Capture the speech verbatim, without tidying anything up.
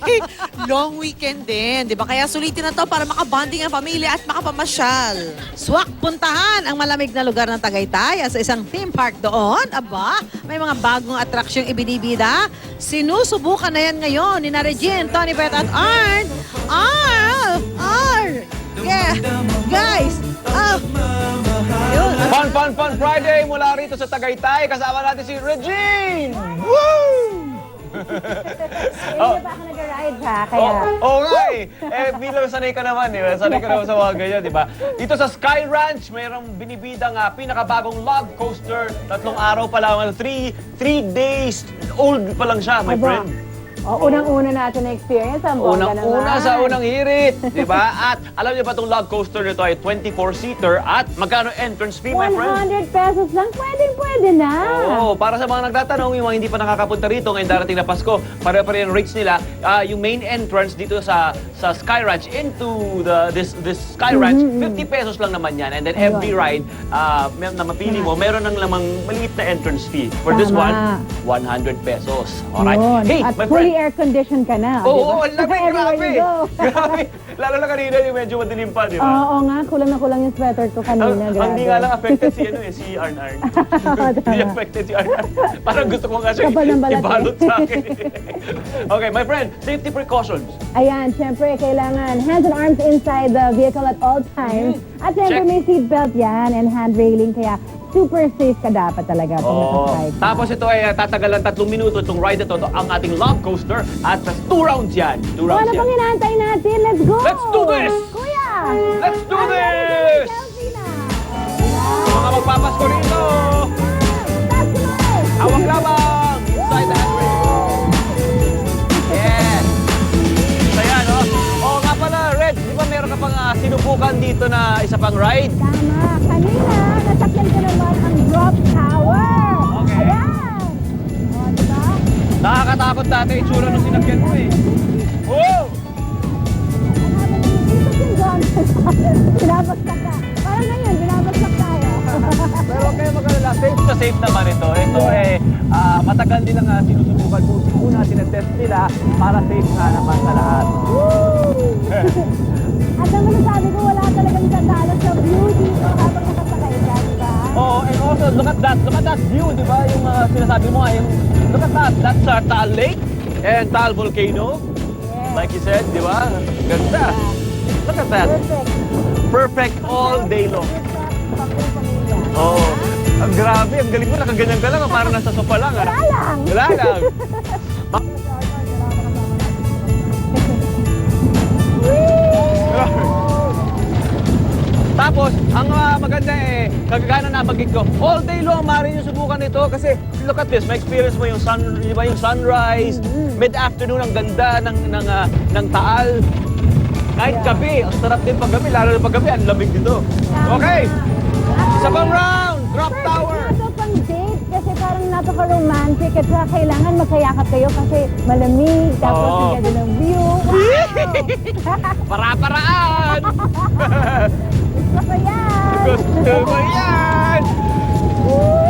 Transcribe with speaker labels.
Speaker 1: long weekend din, di ba? Kaya sulitin na to para makabanding ang pamilya at makapamasyal.
Speaker 2: Swak, puntahan ang malamig na lugar ng Tagaytay sa isang theme park doon. Aba, may mga bagong atraksyong ibinibida. Sinusubukan na yan ngayon ni na Regine, Tony Pet at Arn. Arn! Arn! Yeah! Guys! Oh! Yun.
Speaker 3: Fun, fun, fun Friday mula rito sa Tagaytay. Kasama natin si Regine! Woo!
Speaker 4: Hindi pa ako nag-ride ha, kaya...
Speaker 3: Oo oh, nga eh. Eh, bilang sanay ka naman eh. Sanay ka naman sa mga ganyan, di ba? Dito sa Sky Ranch, mayroong binibidang uh, pinakabagong log coaster. Tatlong araw pa lang, three, three days old pa lang siya, my
Speaker 4: Aba.
Speaker 3: friend.
Speaker 4: Oh, unang-una natin na experience ang bongga naman.
Speaker 3: Unang-una sa unang hirit, di ba? At alam niyo ba itong log coaster nito ay twenty-four seater at magkano entrance fee, my friend?
Speaker 4: one hundred pesos lang, pwede-pwede na.
Speaker 3: Oo, para sa mga nagtatanong, yung mga hindi pa nakakapunta rito ngayong darating na Pasko, pare-pare yung rates nila. Ah, yung main entrance dito sa sa Sky Ranch into the this this Sky Ranch, fifty pesos lang naman yan. And then every ride ah, may- na mapili mo, meron ng lamang maliit na entrance fee. For this one,
Speaker 4: Tama.
Speaker 3: one hundred pesos. Alright.
Speaker 4: Yun.
Speaker 3: Hey,
Speaker 4: At
Speaker 3: my
Speaker 4: fully
Speaker 3: friend.
Speaker 4: air-conditioned ka na.
Speaker 3: Oo,
Speaker 4: di
Speaker 3: ang
Speaker 4: ba?
Speaker 3: lamig,
Speaker 4: Everywhere
Speaker 3: grabe.
Speaker 4: you go.
Speaker 3: Grabe. Lalo na kanina yung medyo madilim pa, di ba?
Speaker 4: Oo nga, kulang na kulang yung sweater ko kanina.
Speaker 3: Ang, ang
Speaker 4: grabe.
Speaker 3: hindi nga lang affected si ano eh, si Arn Arn. Hindi
Speaker 4: Tama.
Speaker 3: affected si Arn Arn. Parang gusto ko nga siya
Speaker 4: Kapal ng balat eh.
Speaker 3: ibalot sa akin. Okay, my friend, safety precautions.
Speaker 4: Ayan, syempre, kailangan hands and arms inside the vehicle at all times. At syempre,
Speaker 3: Check.
Speaker 4: may seatbelt yan and hand railing, kaya super safe ka dapat talaga pag
Speaker 3: Oh.
Speaker 4: nakasakay ka.
Speaker 3: Tapos ito ay uh, tatagalan tatlong minuto itong ride na to, to ang ating log coaster at uh, two rounds yan. Two
Speaker 4: O,
Speaker 3: rounds
Speaker 4: ano pang
Speaker 3: yan.
Speaker 4: inaantay natin? Let's go!
Speaker 3: Let's do this!
Speaker 4: Kuya!
Speaker 3: Let's do
Speaker 4: I'm ready to
Speaker 3: this!
Speaker 4: selfie na!
Speaker 3: Mga magpapasko rito!
Speaker 4: Taas mo!
Speaker 3: Hawak lamang! Inside the handrail! Yes! Saya, no? Oo nga pala, Red, di ba meron ka pang uh, sinubukan dito na isa pang ride?
Speaker 4: Tama. Kanina, nasakyan ko naman ang drop tower.
Speaker 3: Okay.
Speaker 4: Ayan. O, diba?
Speaker 3: Nakakatakot dati itsura nung sinakyan mo eh. Oh!
Speaker 4: Ang habang dito si John. Binabagsak ka. Parang ngayon, binabagsak tayo.
Speaker 3: Pero huwag kayo mag-alala, safe na safe naman ito. Ito eh, ah, matagal nilang uh, sinusubukan po. Una, sinetest nila para safe nga naman sa lahat.
Speaker 4: At ang masasabi ko, wala talagang sandalo sa view dito habang nakasakay ka, diba?
Speaker 3: Oh, and also, look at that, look at that view, di ba? Yung uh, sinasabi mo ay, look at that, that's uh, Taal Lake and Taal Volcano.
Speaker 4: Yes.
Speaker 3: Like you said, di ba? Ganda. Look at that.
Speaker 4: Perfect.
Speaker 3: Perfect all day long.
Speaker 4: Perfect pang pamilya.
Speaker 3: Oh, ang grabe, ang galing mo, nakaganyan ka lang, ah, parang nasa sofa lang. Ah.
Speaker 4: Wala lang.
Speaker 3: Wala lang. Tapos, ang uh, maganda eh, kagagana na bagit ko, all day long maaari yung subukan ito kasi look at this, may experience mo yung sun, di ba, yung sunrise, mid-afternoon, ang ganda ng ng uh, ng Taal. Kahit gabi, ang sarap din pag gabi, lalo na pag gabi, ang lamig dito. Okay, isa pang round, drop tower.
Speaker 4: Perfect na to pang date kasi parang napaka-romantic at saka kailangan magkayakap kayo kasi malamig, tapos
Speaker 3: Oo.
Speaker 4: ang ganda ng view. Wow!
Speaker 3: Para-paraan!
Speaker 4: Gusto ko yan!
Speaker 3: Gusto mo yan!
Speaker 4: Woo!